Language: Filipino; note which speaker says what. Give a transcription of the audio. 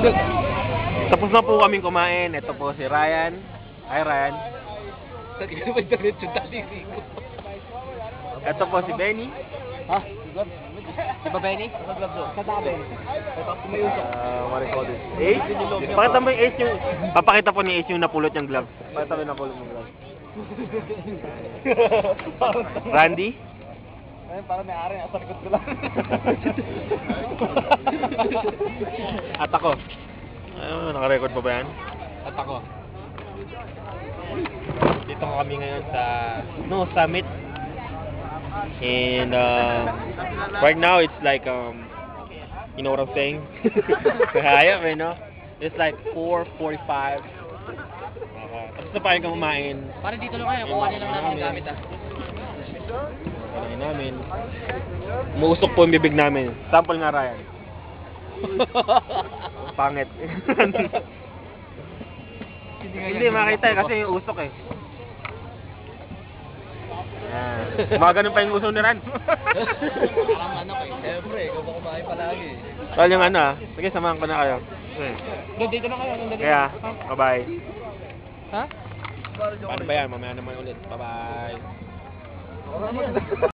Speaker 1: Tapos na po kaming kumain. Ito po si Ryan. Hi Ryan. Ito po si Benny.
Speaker 2: Ha? Di ba Benny? Kata Benny.
Speaker 1: What do you call this? Ace? Pakita mo yung Ace yung... Papakita po ni Ace yung napulot niyang glove. Pakita mo yung napulot niyang glove. Randy?
Speaker 2: Ayun, parang may ari. Nasa likod ko lang.
Speaker 1: At ako. Naka-record pa ba yan?
Speaker 2: At ako.
Speaker 1: Dito kami ngayon sa Summit. And right now it's like you know what I'm saying? Kaya you know? It's like 4:45. Tapos na pa yung kumain.
Speaker 2: Parang dito lang kayo. Kuha niyo lang namin yung gamit ah.
Speaker 1: Kumain namin. Umuusok po yung bibig namin. Sample nga Ryan. Pangit. Hindi makita eh kasi yung usok eh. Yan. Mga ganun pa yung uso ni Ran.
Speaker 2: Parang ano kayo. Siyempre, ikaw ba kumain palagi?
Speaker 1: Well, yung ano sige samahan ko na kayo.
Speaker 2: Dito na kayo.
Speaker 1: Kaya, bye-bye.
Speaker 2: Ha?
Speaker 1: Paano ba yan? Mamaya naman ulit. Bye-bye.